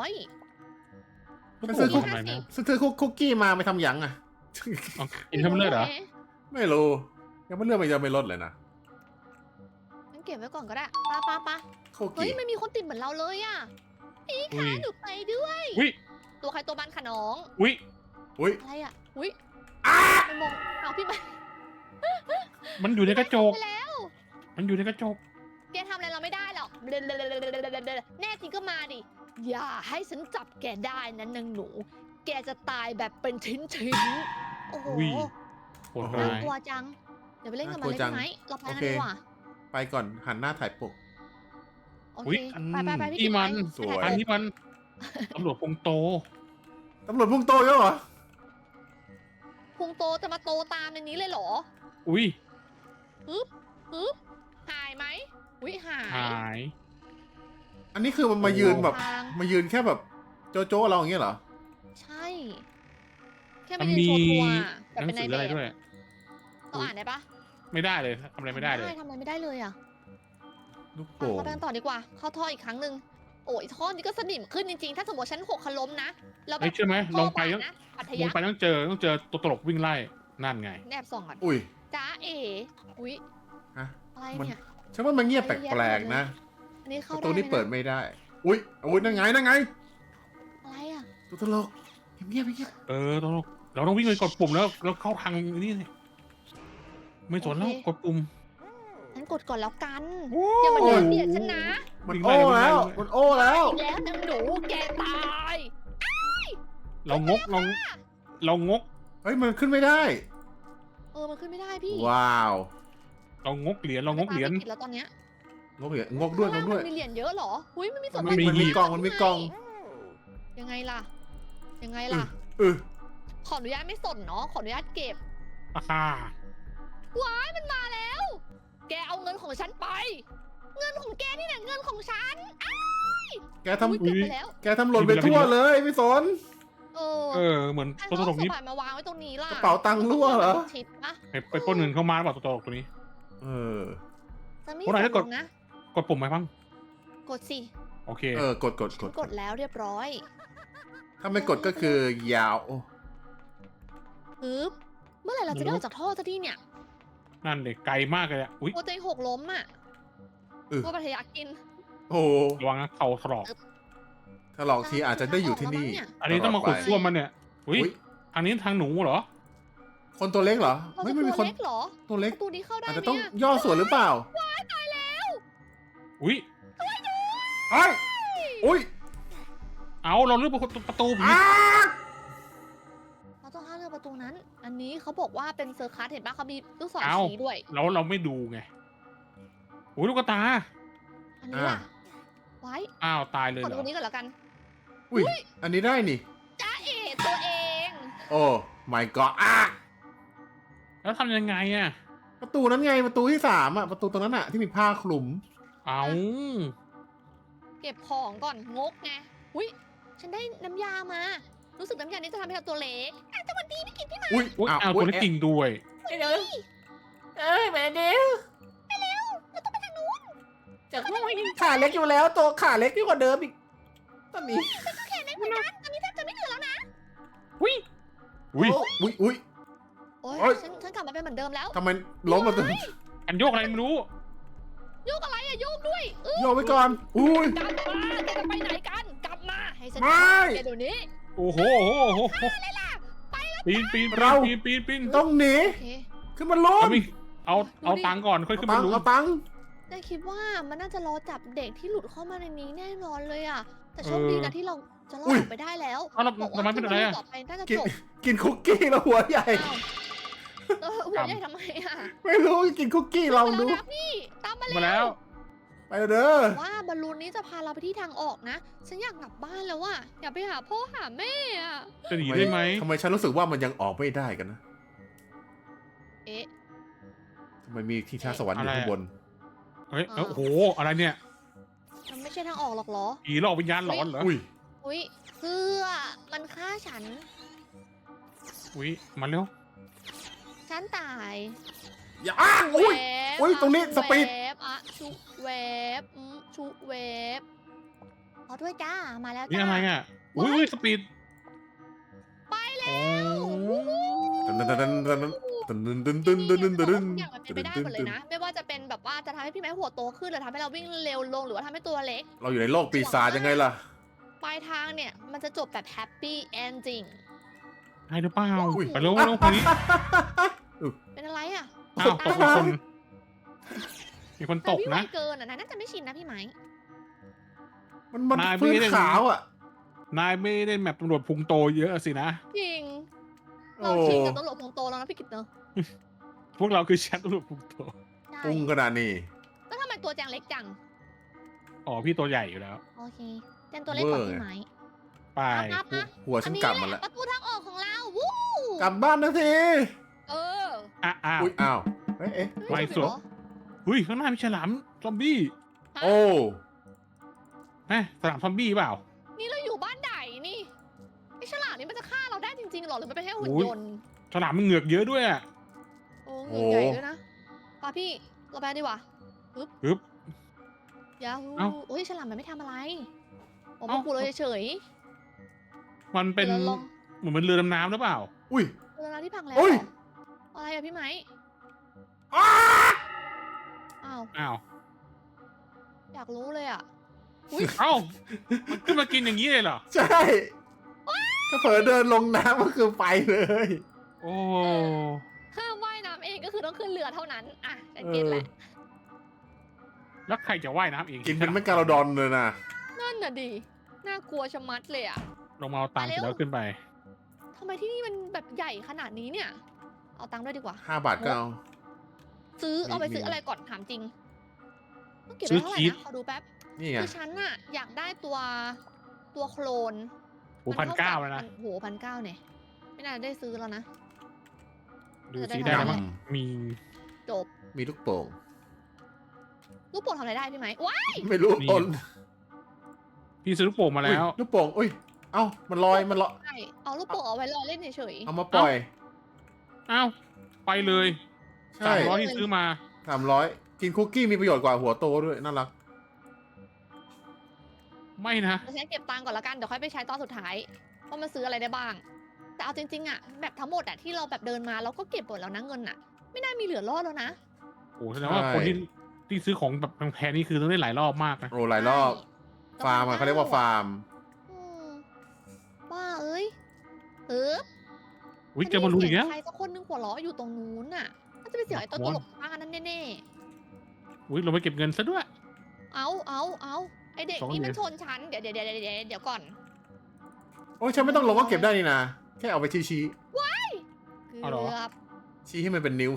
[SPEAKER 2] ลูก
[SPEAKER 3] ซื้
[SPEAKER 2] โป่
[SPEAKER 3] อ
[SPEAKER 2] งทำอะไรนะ
[SPEAKER 3] ซื้อคุกกี้มาไปทำหยังอ่ะ
[SPEAKER 2] เอากินให้มันเลือดเหรอ
[SPEAKER 3] ไม่รู้ ยังไม่เลือกมันจะไม่ลดเลยนะ
[SPEAKER 1] งั้นเก็บไว้ก่อนก็ได้ปะ
[SPEAKER 3] คุก
[SPEAKER 1] เฮ้ย
[SPEAKER 3] กี้
[SPEAKER 1] ไม่มีคนติดเหมือนเราเลยอ่ะ พี่
[SPEAKER 2] อุ้
[SPEAKER 1] คะ
[SPEAKER 2] ย
[SPEAKER 1] หนูไปด้วย
[SPEAKER 2] อุ้ย
[SPEAKER 1] ตัวใครตัวมันค่ะน้อง
[SPEAKER 2] อุ้ย
[SPEAKER 3] อุ้ย
[SPEAKER 1] อะไรอ่ะ อุ้ยไปมองเอาพี่ไป
[SPEAKER 2] มันอยู่ในกระจก
[SPEAKER 1] ไปแล้ว
[SPEAKER 2] มันอยู่ในกระจก
[SPEAKER 1] แกทำอะไรเราไม่ได้หรอกแน่จริงก็มาดิ อย่าให้ฉันจับแกได้นะนางหนู แกจะตายแบบเป็นชิ้นๆ โอ้โห
[SPEAKER 2] อุ้ย โหด
[SPEAKER 1] น่า
[SPEAKER 2] ร้าย
[SPEAKER 1] กลัวจัง เดี๋ยวไปเล่นกับมัน
[SPEAKER 3] น่ากลัว
[SPEAKER 1] เลย
[SPEAKER 3] จั
[SPEAKER 1] ได้
[SPEAKER 3] ง
[SPEAKER 1] ไหมเราไปกัน
[SPEAKER 3] โอเค
[SPEAKER 1] ดีกว่า
[SPEAKER 3] ไปก่อนหันหน้าถ่ายปก
[SPEAKER 1] โอ
[SPEAKER 2] อุ๊
[SPEAKER 1] เค
[SPEAKER 2] ย
[SPEAKER 1] ไปพี่
[SPEAKER 2] นี่มัน
[SPEAKER 1] กิ๊ก
[SPEAKER 3] สวย
[SPEAKER 2] อันนี้มันตำรวจพงโต
[SPEAKER 3] ตำรวจพุ่งโตเยอะเหรอ
[SPEAKER 1] พุงโตจะมาโตตามในนี้เลยเหรอ
[SPEAKER 2] อุ้ย
[SPEAKER 1] ฮึบหายไหมอุ้ยหาย
[SPEAKER 2] หาย
[SPEAKER 3] อันนี้คือมันมายืนแบบ
[SPEAKER 1] ทาง
[SPEAKER 3] มายืนแค่แบบโจ๊ะๆเราอย่างเงี้ยเหรอ
[SPEAKER 1] ใช่ แค่มายืนโชว์ตัวแต่
[SPEAKER 2] หนั
[SPEAKER 1] เป็น
[SPEAKER 2] ง
[SPEAKER 1] ใน
[SPEAKER 2] สือ
[SPEAKER 1] แบ
[SPEAKER 2] อะไร
[SPEAKER 1] บ
[SPEAKER 2] ด้วย
[SPEAKER 1] เราอ่านได้ปะ
[SPEAKER 2] ไม่ได้เลยทำอะไรไม่ได้เลย
[SPEAKER 1] ทำอะไรไม่ได้เลยอ่ะ
[SPEAKER 3] ลูก
[SPEAKER 1] ไป
[SPEAKER 3] โป่ง
[SPEAKER 1] เราไปกันต่อดีกว่า เข้าท่ออีกครั้งหนึ่งโอ้ยท่อนี้ก็สนิมขึ้นจริงๆ ถ้าสมมติฉันหกขล้มนะแล้วแบ
[SPEAKER 2] เฮ้ย
[SPEAKER 1] บ
[SPEAKER 2] เชื่อไหมลงไป
[SPEAKER 1] ท่อบาดนะปัท
[SPEAKER 2] ล
[SPEAKER 1] ยาง
[SPEAKER 2] ไปต้องเจอตัวตลกวิ่งไล่นั่นไง
[SPEAKER 1] แนบส่องก่อน
[SPEAKER 3] อุ้ย
[SPEAKER 1] จ้าเอ๋อุ้ย
[SPEAKER 3] ฮะ
[SPEAKER 1] อะไร
[SPEAKER 3] มัน
[SPEAKER 1] เนี่ย
[SPEAKER 3] ฉันว่ามันเงียบแปลกๆนะ
[SPEAKER 1] อันนี้
[SPEAKER 3] ป
[SPEAKER 1] เข้า
[SPEAKER 3] ระ
[SPEAKER 1] ได้
[SPEAKER 3] ตู
[SPEAKER 1] ไหม
[SPEAKER 3] นี้เปิด
[SPEAKER 1] นะ
[SPEAKER 3] ไม่ได้ อุ้ยอุ้ยนั่นไงนั่นไง
[SPEAKER 1] อะไรอ่ะ
[SPEAKER 3] ตัวตลกเงียบเงียบ
[SPEAKER 2] ตลกเราต้องวิ่งไปกดปุ่มแล้วเข้าทางนี่สิไม่สนแล้วกดปุ่ม
[SPEAKER 1] ฉันกดก่อนแล้วกัน
[SPEAKER 2] โอ้
[SPEAKER 1] อย่ามาเดินเบียดฉันนะ
[SPEAKER 3] มันโอ้แล้วมันโอ้แล้ว
[SPEAKER 1] อีกแล้วนางหนูแกตาย
[SPEAKER 2] เรางก
[SPEAKER 3] เฮ้ยมันขึ้นไม่ได้
[SPEAKER 1] มันขึ้นไม่ได้พี่
[SPEAKER 3] ว้าว
[SPEAKER 2] เรางกเหรียญเรางกเหรียญ
[SPEAKER 1] ไม่ปาไม่ผิดแล้วตอนเนี้ย
[SPEAKER 3] งกเหรียญงกด้วยง
[SPEAKER 1] ข้าง
[SPEAKER 3] กด้วย
[SPEAKER 1] ล่างมันมีเหรียญเยอะเหรออุ้ยมันมีส่วน
[SPEAKER 2] มันมี
[SPEAKER 3] มันมีกล่องมันมีกล่อง
[SPEAKER 1] ยังไงล่ะ ยังไงล่ะ
[SPEAKER 3] เออ
[SPEAKER 1] ขออนุญาตไม่สนเนาะ ขออนุญาตเก็บ
[SPEAKER 2] อ่า
[SPEAKER 1] ว้ายมันมาแล้ว แกเอาเงินของฉันไป เงินของแกนี่แหละเงินของฉัน
[SPEAKER 3] แกท
[SPEAKER 1] อุ๊ยเก็บไปแล้ว
[SPEAKER 3] ำแกทำหล่นไปทั่วเลยไม่สน
[SPEAKER 2] เหมือน
[SPEAKER 1] ใคร
[SPEAKER 2] ตัวต
[SPEAKER 1] เขา
[SPEAKER 2] ล
[SPEAKER 1] เอา
[SPEAKER 2] ก
[SPEAKER 1] ส
[SPEAKER 2] นี้
[SPEAKER 1] บายมาวางไว้ตรงนี้ล่ะ
[SPEAKER 3] กระเป๋าตังค์รั่วเหรอ
[SPEAKER 1] ชิปปะ
[SPEAKER 2] ไปปล้นเงินเข้ามาหรือเปล่าตัวตลกตัวนี้
[SPEAKER 3] เออ
[SPEAKER 1] จะไม่
[SPEAKER 2] คนไหน
[SPEAKER 1] ก
[SPEAKER 2] จะ
[SPEAKER 1] ด
[SPEAKER 2] ก
[SPEAKER 1] ล
[SPEAKER 2] ด
[SPEAKER 1] งนะ
[SPEAKER 2] กดปุ่มไหมพัง
[SPEAKER 1] กดสิ
[SPEAKER 2] โอเค
[SPEAKER 3] กด
[SPEAKER 1] ฉันกดแล้วเรียบร้อย
[SPEAKER 3] ถ้าไม่กดก็คือยาวโอ้
[SPEAKER 1] ฮึบเมื่อไหร่เราจะได้ออกจากท่อสักทีเนี่ย
[SPEAKER 2] นั่นเด็กไกลมากเลยอ่ะอุ้ย
[SPEAKER 1] โปรเจกหกล้มอ่ะว่าปัทยากิน
[SPEAKER 3] โอ้
[SPEAKER 2] ระวังนะเข่าถลอก
[SPEAKER 3] ถ้าลองทีอาจจะได้อยู่ที่นี่
[SPEAKER 2] อันนี้ต้องมาขุดซ่วมมันเนี่ยอุ้ย
[SPEAKER 3] อุ๊ย
[SPEAKER 2] ทางนี้ทางหนูเหรอ
[SPEAKER 3] คนตัวเล็กเหรอ
[SPEAKER 1] เรา
[SPEAKER 3] ไม่
[SPEAKER 1] จะ
[SPEAKER 3] ไม่
[SPEAKER 1] ตั
[SPEAKER 3] มี
[SPEAKER 1] ว
[SPEAKER 3] คน
[SPEAKER 1] เล็กเหรอ
[SPEAKER 3] ตัวเล็ก
[SPEAKER 1] ประตูนี้เข้าได้
[SPEAKER 3] อาจ
[SPEAKER 1] ไหม
[SPEAKER 3] จะต้อง
[SPEAKER 1] อะ
[SPEAKER 3] ย่อส่วนหรือเปล่า
[SPEAKER 2] อุ้ย
[SPEAKER 3] เอ้ยอุ้ย
[SPEAKER 2] เอาเราเลือกประตูผี
[SPEAKER 3] อ้า
[SPEAKER 1] เราต้องห้ามเลือกประตูนั้น อันนี้เขาบอกว่าเป็นเซอร์คัสเห็นปะเขามีลูกศรชี้ด้วย
[SPEAKER 2] เราไม่ดูไงอุ้ยลูกตา
[SPEAKER 1] อันนี้ล่ะ ไว้
[SPEAKER 2] อ้าวตายเลย
[SPEAKER 1] ขอ
[SPEAKER 2] เหร
[SPEAKER 1] ดู
[SPEAKER 2] อ
[SPEAKER 1] นี้ก่อนแล้วกัน
[SPEAKER 3] อุ้ยอันนี้ได้นี่
[SPEAKER 1] จ้าเอ๋ตัวเอง
[SPEAKER 3] โอ้ my god อ่ะ
[SPEAKER 2] แล้วทำยังไงอ่ะ
[SPEAKER 3] ประตูนั้นไงประตูที่3อ่ะประตูตรงนั้นอ่ะที่มีผ้าคลุม
[SPEAKER 2] เอา
[SPEAKER 1] เก็บของก่อนงกไงอุ้ยฉันได้น้ำยามา รู้สึกน้ำยานี้จะทำให้เราตัวเล็กอ่ะจังหวัดดีพี่กินพี่มา
[SPEAKER 3] อุ้ย
[SPEAKER 2] อุ้ยเอาตัวเล็กจริงด้วย
[SPEAKER 3] เอ้ยแม่เดียว
[SPEAKER 1] เราต้องไปทางนู้น
[SPEAKER 3] จากขาเล็กอยู่แล้วตัวขาเล็กยิ่งกว่าเดิมอีกตอนนี้
[SPEAKER 1] แขนเล็กเหมือนกันตอนนี้แทบจะไม่เหลือแล้วนะ
[SPEAKER 2] อุ้ย
[SPEAKER 3] อุ้ยอุ้ย
[SPEAKER 1] โอ๊
[SPEAKER 3] โอ๊ย
[SPEAKER 1] ยฉันกลับมาเป็นเหมือนเดิมแล้ว
[SPEAKER 3] ทำไมล้มมาตัว
[SPEAKER 2] อันโยกอะไรไม่รู้
[SPEAKER 1] โยกอะไรอะโยกด้วย
[SPEAKER 3] โยกไว้ก่อนอุ้ย
[SPEAKER 1] กลับมาแกจะไปไหนกัน กลับมา ให้ฉัน
[SPEAKER 3] ไม่
[SPEAKER 1] แกเดี๋ยวนี้
[SPEAKER 2] โอ้โหปีน
[SPEAKER 3] ต้องหนี
[SPEAKER 1] โอเค
[SPEAKER 3] ขึ้นมาล้ม
[SPEAKER 2] เอาตังก่อนค่อยขึ้น
[SPEAKER 3] ตั
[SPEAKER 2] มาง รู้
[SPEAKER 3] เอาตัง
[SPEAKER 1] ได้คิดว่ามันน่าจะรอจับเด็กที่หลุดเข้ามาในนี้แน่นอนเลยอะแต่โชคดีนะที่เราจะรอดออกไปได้แล้ว
[SPEAKER 2] เอาเรา
[SPEAKER 1] บอก
[SPEAKER 2] ทำไม
[SPEAKER 1] ว่า
[SPEAKER 2] เป็นอะไรอ่ะ
[SPEAKER 1] ต่อไปน่าจะ
[SPEAKER 3] กิน
[SPEAKER 1] จบ
[SPEAKER 3] กินคุกกี้แล้วหัวใหญ่
[SPEAKER 1] อ้าวหัวใหญ่ทำไมอะ
[SPEAKER 3] ไม่รู้กินคุกกี้ลองดู
[SPEAKER 1] ไปแล้วนะพี่ตามมา
[SPEAKER 2] มา
[SPEAKER 1] แล้ว
[SPEAKER 2] แล้ว
[SPEAKER 3] ไปเด้อ
[SPEAKER 1] ว่าบอลลูนนี้จะพาเราไปที่ทางออกนะ ฉันอยากกลับบ้านแล้วอะอยากไปหาพ่อหาแม่อะ
[SPEAKER 2] จะหนีได้ไหม
[SPEAKER 3] ทำไมฉันรู้สึกว่ามันยังออกไม่ได้กันนะ
[SPEAKER 1] เอ๊ะ
[SPEAKER 3] ทำไมมีที่ชาสวรรค์อยู่ข้างบน
[SPEAKER 2] เฮ้ยโอ้โหอะไรเนี่ย
[SPEAKER 1] มันไม่ใช่ทางออกหรอกเหรอ
[SPEAKER 2] ผีหลอกวิญญาณหลอนเหรอ
[SPEAKER 3] อุ้ย
[SPEAKER 1] อุ้ยเพื่อมันฆ่าฉัน
[SPEAKER 2] อุ้ยมาเร็ว
[SPEAKER 1] ฉันตาย
[SPEAKER 3] อย่าอ้างอุ้ย
[SPEAKER 1] เวฟ
[SPEAKER 3] อุ้ยตรงนี้สปีด
[SPEAKER 1] เวฟอะชุเวฟชุเวฟขอด้วยจ้า มาแล้ว
[SPEAKER 2] นี่
[SPEAKER 1] จ้า
[SPEAKER 2] อะไรอ่ะอุ้ยสปีด
[SPEAKER 1] ไปแล้ว
[SPEAKER 3] ตันตันตันตันตันตันตันตันตันตันตัน
[SPEAKER 1] ทุกอย่างมันเป็นไปได้หมดเลยนะ ไม่ว่าจะเป็นแบบว่าจะทำให้พี่ไม้หัวโตขึ้นหรือทำให้เราวิ่งเร็วลงหรือว่าทำให้ตัวเล็ก
[SPEAKER 3] เราอยู่ในโลกปีศาจยังไงล่ะ
[SPEAKER 1] ปลายทางเนี่ย มันจะจบแบบแฮปปี้เอนดิ้ง
[SPEAKER 2] ได้หรือเปล่า
[SPEAKER 3] อุ้ย
[SPEAKER 2] ไปเร็วคนนี้
[SPEAKER 1] เป็นอะไรอ่ะ
[SPEAKER 2] อ้าวตกคนมีคนต
[SPEAKER 1] แต่
[SPEAKER 2] ก
[SPEAKER 1] พี่ไว
[SPEAKER 2] นะ
[SPEAKER 1] เกินอ่ะน่าจะไม่ชินนะพี่ไม้
[SPEAKER 3] มัน
[SPEAKER 2] นายไม่
[SPEAKER 3] ฟื้น
[SPEAKER 2] ได้
[SPEAKER 3] ขาวอ่ะ
[SPEAKER 2] นายไม่ได้แมปตำรวจพุงโตเยอะสินะ
[SPEAKER 1] จริง
[SPEAKER 3] โอ้
[SPEAKER 1] เราชินกับตำรวจพงโตแล้วนะพี่กิตเนอะ
[SPEAKER 2] พวกเราคือแชทตำรวจพุงโต
[SPEAKER 1] ใช่
[SPEAKER 3] ปุ้งขนาดนี้
[SPEAKER 1] แล้วทำไมตัวแจงเล็กจัง
[SPEAKER 2] อ๋อพี่ตัวใหญ่อยู่แล้ว
[SPEAKER 1] โอเคแจงตัวเล็กกว่าพี่ไม้
[SPEAKER 2] ไป
[SPEAKER 1] นับนะ
[SPEAKER 3] หัวฉันกลับมาแล้ว
[SPEAKER 1] ประตูทางออกของเรา วู้
[SPEAKER 3] กลับบ้านนะที
[SPEAKER 1] เออ
[SPEAKER 2] อ้าว
[SPEAKER 3] อุ้ยอ้าวเอ๊ะ
[SPEAKER 1] เฮ้ย
[SPEAKER 2] ไม่
[SPEAKER 1] จริง
[SPEAKER 2] สว
[SPEAKER 1] เห
[SPEAKER 2] ย
[SPEAKER 1] รอ
[SPEAKER 2] อุ้ยข้างหน้ามีฉลามซอมบี้
[SPEAKER 1] ฮะ
[SPEAKER 3] โอ้
[SPEAKER 2] ฉลามซอมบี้เปล่า
[SPEAKER 1] นี่เราอยู่บ้านไหนนี่ไอ้ฉลามนี่มันจะฆ่าเราได้จริงๆหรอหรือมันเป็นแค่หุ่น
[SPEAKER 2] โอ้ย
[SPEAKER 1] ยนต์
[SPEAKER 2] ฉลามมันเหงือกเยอะด้วยอะ
[SPEAKER 1] โอ้เหงือกใหญ่ด้วยนะป้าพี่เราไปดีกว่า
[SPEAKER 2] ปึ๊บ
[SPEAKER 1] ยาฮู
[SPEAKER 2] เอ้า
[SPEAKER 1] โอ้ยฉลามมันไม่ทำอะไรผม
[SPEAKER 2] เอ้า
[SPEAKER 1] มาปูเราเฉย
[SPEAKER 2] มัน
[SPEAKER 1] ๆ
[SPEAKER 2] เป็น
[SPEAKER 1] ดี๋ยวราลอง
[SPEAKER 2] เหมือนเป็นเรือดำน้ำหรือเปล่า
[SPEAKER 3] อุ้ย
[SPEAKER 1] เรือที่พังแล้ว
[SPEAKER 3] โอ้ย
[SPEAKER 1] เหรออะไรอะพี่ไหม
[SPEAKER 3] อ้า
[SPEAKER 1] อ้าว
[SPEAKER 2] อ้าว
[SPEAKER 1] อยากรู้เลยอะ
[SPEAKER 2] เอ้ามันขึ้นมากินอย่างนี้เลยเหรอ
[SPEAKER 3] ใช่ก็เผลอเดินลงน้ำก็คือไปเลย
[SPEAKER 2] โอ้
[SPEAKER 1] ห้ามว่ายน้ำเองก็คือต้องขึ้นเรือเท่านั้นอ่ะจะ
[SPEAKER 3] เอ
[SPEAKER 1] เก็ต
[SPEAKER 3] อ
[SPEAKER 1] แหละ
[SPEAKER 2] แล้วใครจะว่ายน้ำเอง
[SPEAKER 3] กินเป็นแมกกาโลดอนเลยนะ
[SPEAKER 1] นั่นน่ะดิน่ากลัวชะมัดเลยอะ
[SPEAKER 2] ลงมาเอาตังค์เสร็จแล้วขึ้นไป
[SPEAKER 1] ทำไมที่นี่มันแบบใหญ่ขนาดนี้เนี่ย เอาตังค์ด้วยดีกว่า
[SPEAKER 3] 5 บาทก็เอา
[SPEAKER 1] ซื้อ
[SPEAKER 3] มี
[SPEAKER 1] เอาไปซื้อ
[SPEAKER 3] มี
[SPEAKER 1] อะไรก่อนถามจริงต้องเก็บ
[SPEAKER 2] ซื้
[SPEAKER 1] ไว้
[SPEAKER 2] อ
[SPEAKER 1] เท่าไหร่
[SPEAKER 2] ชีส
[SPEAKER 1] นะขอดูแป๊บ
[SPEAKER 3] นี่ไง
[SPEAKER 1] คือฉันน่ะอยากได้ตัวโคลน
[SPEAKER 2] โอ้1,900แล้วนะ
[SPEAKER 1] โห1,900เนี่ยไม่น่าจะได้ซื้อแล้วนะ
[SPEAKER 2] ดู
[SPEAKER 1] จะได้
[SPEAKER 2] สีได้
[SPEAKER 1] เท่าไหร่
[SPEAKER 2] มั้งมี
[SPEAKER 1] จบ
[SPEAKER 3] มีลูกโป่ง
[SPEAKER 1] ลูกโป่งทำอะไรได้พี่ไหมว้าย
[SPEAKER 3] ไม่รู้
[SPEAKER 2] มี
[SPEAKER 3] ต้น
[SPEAKER 2] พี่ซื้อลูกโป่งมาแล้ว
[SPEAKER 3] อุ๊ยลูกโป่งอุ้ย เอ้า มันลอย มันลอย
[SPEAKER 1] ใช่เอาลูกโป่งเอาไว้รอเล่นเฉย
[SPEAKER 3] เอามาปล่อย
[SPEAKER 2] อ้าวไปเลย
[SPEAKER 3] ใช่
[SPEAKER 2] 300ที่ซื้อมา
[SPEAKER 3] 300 กินคุกกี้มีประโยชน์กว่าหัวโตด้วย น่ารัก
[SPEAKER 2] ไม่นะ
[SPEAKER 1] ๆเราใช้เก็บตังค์ก่อนละกันเดี๋ยวค่อยไปใช้ตอนสุดท้ายว่ามันซื้ออะไรได้บ้าง แต่เอาจริงๆอะแบบทั้งหมดอะที่เราแบบเดินมาเราก็เก็บหมดแล้วนะเงินอะไม่น่ามีเหลือรอดแล้วนะ
[SPEAKER 2] โอ้แสดงว่า
[SPEAKER 3] ใช่
[SPEAKER 2] คนที่ซื้อของแบบแพงๆนี่คือต้องได้หลายรอบมากนะ
[SPEAKER 3] โอ้หลายรอบ
[SPEAKER 1] ใช่
[SPEAKER 3] ฟาร์มอะเขาเรียกว่าฟาร์ม
[SPEAKER 1] อืมว่าเอ้ย
[SPEAKER 2] อุ้ยเจอบอลลูนอีกแล้ว
[SPEAKER 1] ใครสักคนนึงหัวเราะอยู่ตรงนู้นน่ะน่าจะเป็นเสียงไอ้ตัวตลกบ้านนั่นแน่
[SPEAKER 2] อุ้ยเราไปเก็บเงินซะด้วย
[SPEAKER 1] ๆเอาไอเด็ก
[SPEAKER 2] 2
[SPEAKER 1] นี่มัน
[SPEAKER 2] เหรียญ
[SPEAKER 1] ชนฉันเดี๋ยวก่อน
[SPEAKER 3] โอ้ยฉันไม่ต้องลงก็เก็บได้นี่นะ แค่เอาไปชี้
[SPEAKER 2] เอาเหรอ
[SPEAKER 1] เกือบ
[SPEAKER 3] ชี้ให้มันเป็นนิ้ว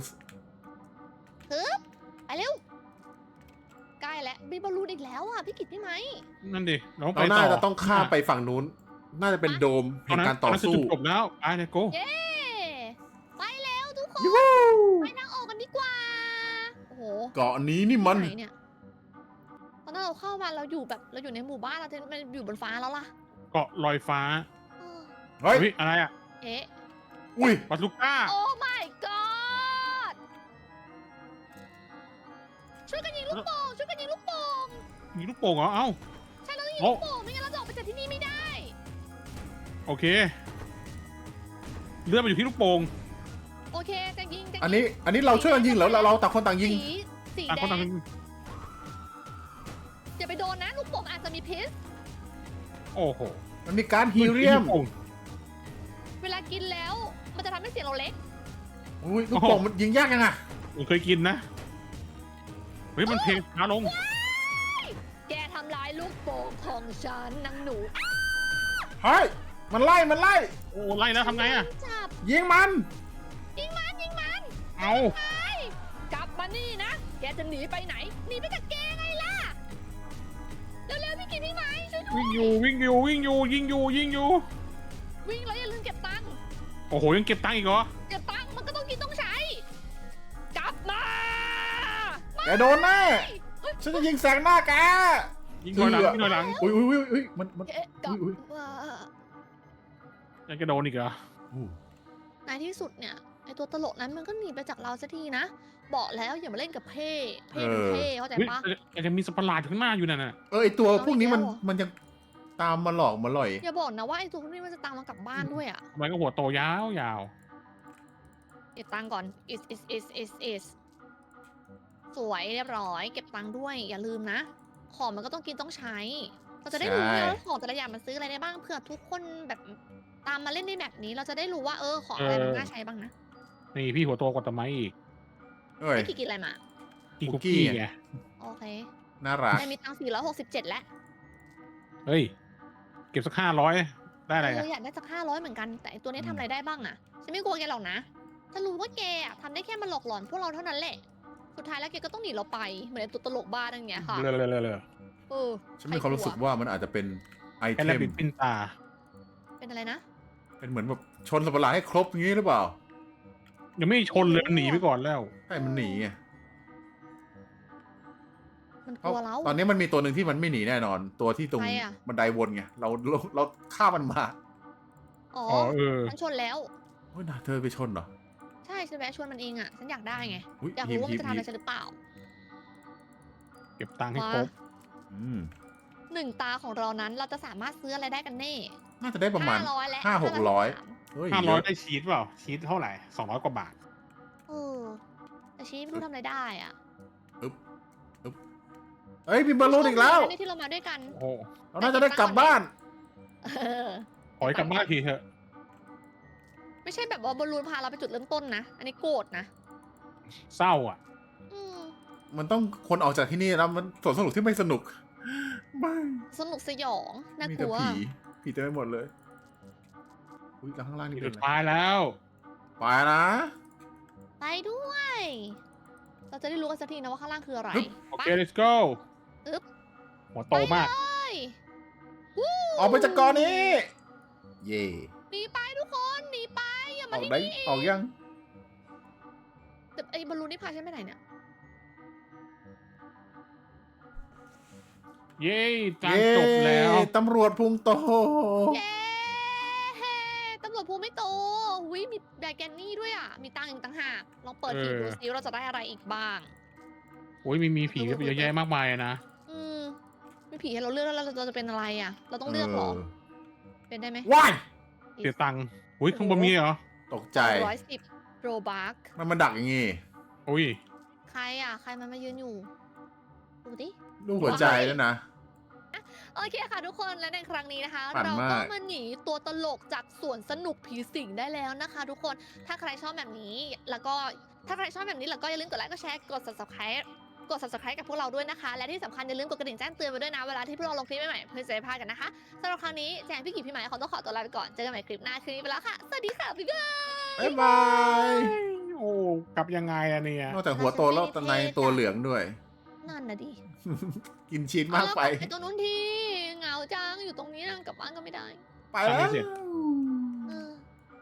[SPEAKER 1] ไปเร็วใกล้แล้วมีบอลลูนอีกแล้วอ่ะพี่กิตพี่ไหม
[SPEAKER 2] นั่นดิเราต้อง
[SPEAKER 3] เรา
[SPEAKER 2] ไป
[SPEAKER 3] น่า
[SPEAKER 2] ต่อ
[SPEAKER 3] จะต้องข้ามไปฝั่งนู้น น่าจะเป็นโดมแห่งการต่อ
[SPEAKER 2] นั้นคื
[SPEAKER 3] สู้
[SPEAKER 2] จุดจบแล้วไปเลยโก้
[SPEAKER 1] เย้ไปแล้วทุกคน
[SPEAKER 3] ยูฮู
[SPEAKER 1] ไปนั่งออกกันดีกว่าโอ้โห
[SPEAKER 3] เกาะนี้นี่มัน
[SPEAKER 1] ไหนเนี่ยตอนนั้นเราเข้ามาเราอยู่ในหมู่บ้านเราจะมันอยู่บนฟ้าแล้วล่ะ
[SPEAKER 2] เกาะลอยฟ้า
[SPEAKER 1] เออ
[SPEAKER 3] เฮ้ย
[SPEAKER 2] เฮ้ยอะไรอ่ะ
[SPEAKER 1] เอ๊ะ
[SPEAKER 3] อุ้ย
[SPEAKER 2] ปาซูก้า
[SPEAKER 1] โอ้ my god ช่วยกันยิงลูกโป่งช่วยกันยิงลูกโป่ง
[SPEAKER 2] มีลูกโป่งเหรอเอ้า
[SPEAKER 1] ใช่เราต้องยิง
[SPEAKER 2] โอ้
[SPEAKER 1] ลูกโป่งไม่งั้นเราจะออกไปจากที่นี่ไม่ได้
[SPEAKER 2] โอเคเลื่อนมาอยู่ที่ลูกโป่ง
[SPEAKER 1] โอเคจะยิง
[SPEAKER 3] อันนี้เราช่วยกันยิงเหรอเราต่างคนต่างยิง
[SPEAKER 1] สี
[SPEAKER 2] ต่าง
[SPEAKER 1] แด
[SPEAKER 2] คนต่าง
[SPEAKER 1] งอย่าไปโดนนะลูกโป่งอาจจะมีพิษ
[SPEAKER 2] โอ้โห
[SPEAKER 3] มันมีการฮีเรียม
[SPEAKER 2] ลูกโป่ง
[SPEAKER 1] เวลากินแล้วมันจะทำให้เสียงเราเล็ก
[SPEAKER 3] อุ้ยลูกโป่งมันยิงยากยังอะ
[SPEAKER 2] ผมเคยกินนะเฮ้ยมันเพลงช้าลง
[SPEAKER 1] แกทำร้ายลูกโป่งของฉันนางหนู
[SPEAKER 3] เฮ้ย มันไล่
[SPEAKER 2] โอ้ไล่แล้วทำไงอ่ะ
[SPEAKER 1] จับ
[SPEAKER 3] ยิงมัน
[SPEAKER 1] ยิงมัน
[SPEAKER 2] เอา
[SPEAKER 1] กลับมานี่นะแกจะหนีไปไหนหนีไปจากแกไงล่ะเร็วๆพี่กินพี่ไหมช่วยด้วย
[SPEAKER 2] วิ่งอยู่ยิงอยู่
[SPEAKER 1] วิ่งแล้วอย่าลืมเก็บตังค์
[SPEAKER 2] โอ้โหยังเก็บตังค์อีกเหรอ
[SPEAKER 1] เก็บตังค์มันก็ต้องกินต้องใช้ กลับมา
[SPEAKER 3] แกโดนแน่ฉันจะยิงแสงหน้าแก
[SPEAKER 2] ยิงหน่อยหลังยิงหน่อยหลัง
[SPEAKER 3] อุ้ยมัน
[SPEAKER 1] เอ๊ะกลับ
[SPEAKER 3] อุ๊ย
[SPEAKER 1] มา
[SPEAKER 2] ยังจะโดนอีกเหรอ
[SPEAKER 1] ในที่สุดเนี่ยไอตัวตลกนั้นมันก็หนีไปจากเราสักทีนะบอกแล้วอย่ามาเล่นกับเพ่เป็นเพ่เข้าใจ
[SPEAKER 2] เฮ้ย
[SPEAKER 1] ปะ
[SPEAKER 2] แต่ยังมีสัตว์ประหลาดอยู่ข้างหน้าอยู่นั่นน่ะ
[SPEAKER 3] ไอตัวพวกนี้
[SPEAKER 1] เอาอีกแล้ว
[SPEAKER 3] มันยังตามมาหลอกมาหล่อย
[SPEAKER 1] อย่าบอกนะว่าไอตัวพวกนี้มันจะตามมากลับบ้านด้วยอ่ะ
[SPEAKER 2] มันก็หัวโตยาว
[SPEAKER 1] เก็บตังค์ก่อน is สวยเรียบร้อย เก็บตังค์ด้วย อย่าลืมนะ ของมันก็ต้องกินต้องใช้ เราจะได้รู้
[SPEAKER 3] ใช่
[SPEAKER 1] นะว่าของแต่ละอย่างมันซื้ออะไรได้บ้าง เผื่อทุกคนแบบตามมาเล่นในแบบนี้ เราจะได้รู้ว่าของอะไรมันน่าใช้บ้างนะ
[SPEAKER 2] ๆนี่พี่หัวโตกว่าตะไม้อีก
[SPEAKER 3] เอ้ย
[SPEAKER 1] พี่กินอะไรมา
[SPEAKER 2] กิน
[SPEAKER 3] คุ
[SPEAKER 2] คุ
[SPEAKER 3] ก
[SPEAKER 2] ก
[SPEAKER 3] กี้
[SPEAKER 2] กี้ไง
[SPEAKER 1] โอเค
[SPEAKER 3] น่ารัก
[SPEAKER 1] ได้มีตังค์467แล้ว
[SPEAKER 2] เฮ้ยเก็บสัก500ได้อะไรอ่ะ
[SPEAKER 1] อยากได้สัก500เหมือนกัน แต่ไอ้ตัวนี้ทำอะไรได้บ้างอะฉันไม่กลัวแกหรอกนะฉันรู้ว่าแกอะทำได้แค่มาหลอกหลอนพวกเราเท่านั้นแหละ สุดท้ายแล้วแกก็ต้องหนีเราไป เหมือนไอ้ตัวตลกบ้านั่นไงค่ะ
[SPEAKER 2] เลย
[SPEAKER 1] เออ
[SPEAKER 3] ฉันมีความรู้สึกว่ามันอาจจะเป็นไอ
[SPEAKER 2] แค่
[SPEAKER 3] เท
[SPEAKER 2] แลบ
[SPEAKER 3] ม
[SPEAKER 2] บิดปิ้นตา
[SPEAKER 1] เป็นอะไรนะ
[SPEAKER 3] เป็นเหมือนแบบชนสัตว์ประหลาดให้ครบอย่างนี้หรือเปล่า
[SPEAKER 2] ยังไม่ชนเลยมันหนีไปก่อนแล้ว
[SPEAKER 3] ใช่มันหนีไง
[SPEAKER 1] มันก
[SPEAKER 3] เพราะ
[SPEAKER 1] ลัวเรา
[SPEAKER 3] ตอนนี้มันมีตัวหนึ่งที่มันไม่หนีแน่นอน ตัวที่ตรง
[SPEAKER 1] ใครอะ
[SPEAKER 3] บันไดวนไงเราฆ่ามันมา
[SPEAKER 1] อ๋อ
[SPEAKER 2] อ๋อ
[SPEAKER 1] ฉันชนแล้ว
[SPEAKER 3] เฮ้ยนะเธอไปชนเหรอ
[SPEAKER 1] ใช่ฉันแวะชวนมันเองอ่ะ ฉันอยากได้ไง
[SPEAKER 3] อุ๊ย
[SPEAKER 1] อยากรู้ว่ามันจะทำอะไรฉันหรือเปล่า
[SPEAKER 2] เก็บตังค์ให้
[SPEAKER 1] มา
[SPEAKER 2] ครบ
[SPEAKER 3] อืม
[SPEAKER 1] 1 ตาของเรานั้นเราจะสามารถซื้ออะไรได้กันแน่
[SPEAKER 3] น่าจะได้ประมาณ
[SPEAKER 1] 500และ
[SPEAKER 3] 500-600 เฮ้ย
[SPEAKER 2] 500ได้ชีสเปล่า ชีสเท่าไหร่200 กว่าบาท
[SPEAKER 1] เออแต่ชี้ไม่รู้ทำอะไรได้อ่ะ
[SPEAKER 3] เอ้ยมีบอลลูนอีกแล้ว
[SPEAKER 1] นี่ที่เรามาด้วยกัน
[SPEAKER 2] โอ้โห
[SPEAKER 3] เราน่าจะได้กลับบ้าน
[SPEAKER 1] เออ
[SPEAKER 2] ขอให้กลับบ้านทีเถอะ
[SPEAKER 1] ไม่ใช่แบบว่าบอลลูนพาเราไปจุดเริ่มต้นนะ อันนี้โกรธนะ
[SPEAKER 2] เศร้าอ่ะ
[SPEAKER 1] อืม
[SPEAKER 3] มันต้องคนออกจากที่นี่แล้วมันสวนสนุกที่ไม่สนุกไม่
[SPEAKER 1] สนุกสยองน่า
[SPEAKER 3] มี
[SPEAKER 1] ก
[SPEAKER 3] แต่
[SPEAKER 1] ลัว
[SPEAKER 3] ผีเต็มไปหมดเลย อุ้ยแล้วข้างล่างนี่เป็
[SPEAKER 2] สุ
[SPEAKER 3] น
[SPEAKER 2] ด
[SPEAKER 3] อะไร
[SPEAKER 2] ท้ายแล้ว
[SPEAKER 3] ไปนะ
[SPEAKER 1] ไปด้วย เราจะได้รู้กันสักทีนะว่าข้างล่างคืออะไร
[SPEAKER 2] โอเค let's go
[SPEAKER 1] อึ๊บ
[SPEAKER 2] หัวโตมาก
[SPEAKER 1] ไปวู้
[SPEAKER 3] ออกไปจากกอนี้ เย่
[SPEAKER 1] หนีไปทุกคนหนีไปอย่า
[SPEAKER 3] อ
[SPEAKER 1] มา
[SPEAKER 3] อก
[SPEAKER 1] ที่
[SPEAKER 3] ได้
[SPEAKER 1] นี่
[SPEAKER 3] ออกยัง
[SPEAKER 1] แต่ไอ้บอลลูนนี่พาฉันไปไหนเนี่ย
[SPEAKER 2] เย้การจบแล้ว
[SPEAKER 3] เย้ตำรวจพุงโต
[SPEAKER 1] เย้ตำรวจภูมิไม่โตวิมีแบกแกนนี่ด้วยอ่ะ มีตังค์อีกต่างหาก ลองเปิดหีบดูซิว่าเราจะได้อะไรอีกบ้าง
[SPEAKER 2] โอ้ยมีผีเยอะแยะมากมายอะนะ
[SPEAKER 1] อืมมีผีให้เราเลือกแล้วเราจะเป็นอะไรอ่ะ เราต้องเลือกเหรอ เป็นได้ไหม
[SPEAKER 3] ว้าย
[SPEAKER 2] เสียตังค์อุ้ยข้างบนมีเหรอ
[SPEAKER 3] ตกใจ
[SPEAKER 1] 110โรบัค
[SPEAKER 3] มันมาดักอย่างงี้
[SPEAKER 2] อุ้ย
[SPEAKER 1] ใครอ่ะ ใครมันมายืนอยู่ ดูดิ
[SPEAKER 3] ลูกหัวใจด้วยนะ
[SPEAKER 1] โอเคค่ะทุกคนและในครั้งนี้นะคะ
[SPEAKER 3] ปั่น
[SPEAKER 1] เรา
[SPEAKER 3] มาก
[SPEAKER 1] ก็มาหนีตัวตลกจากสวนสนุกผีสิงได้แล้วนะคะ ทุกคนถ้าใครชอบแบบนี้แล้วก็ถ้าใครชอบแบบนี้แล้วก็อย่าลืมกดไลค์กดแชร์กด subscribe กับพวกเราด้วยนะคะ และที่สำคัญอย่าลืมกดกระดิ่งแจ้งเตือนไว้ด้วยนะเวลาที่พวกเราลงคลิปใหม่ๆเพื่อจะได้ไม่พลาดกันนะคะสำหรับครั้งนี้แจงพี่กิจพี่หมายขอต้องขอตัวลาไปก่อนเจอกันใหม่คลิปหน้าคืนนี้ไปแล้วค่ะสวัสดีค่ะบ๊ายบาย
[SPEAKER 3] บ๊ายบาย
[SPEAKER 2] โอ้กลับยังไงอะเนี่ย
[SPEAKER 3] นอกจากหัวโตแล้วตอนในตัวเหลืองด้วย
[SPEAKER 1] นั่นนะดิ
[SPEAKER 3] กินชีสมากไป
[SPEAKER 1] ไอ้ตัวนู้นทีเหงาจังอยู่ตรงนี้นะกลับบ้านก็ไม่ได้
[SPEAKER 3] ไปแล้ว
[SPEAKER 2] ทำให้เสร็จ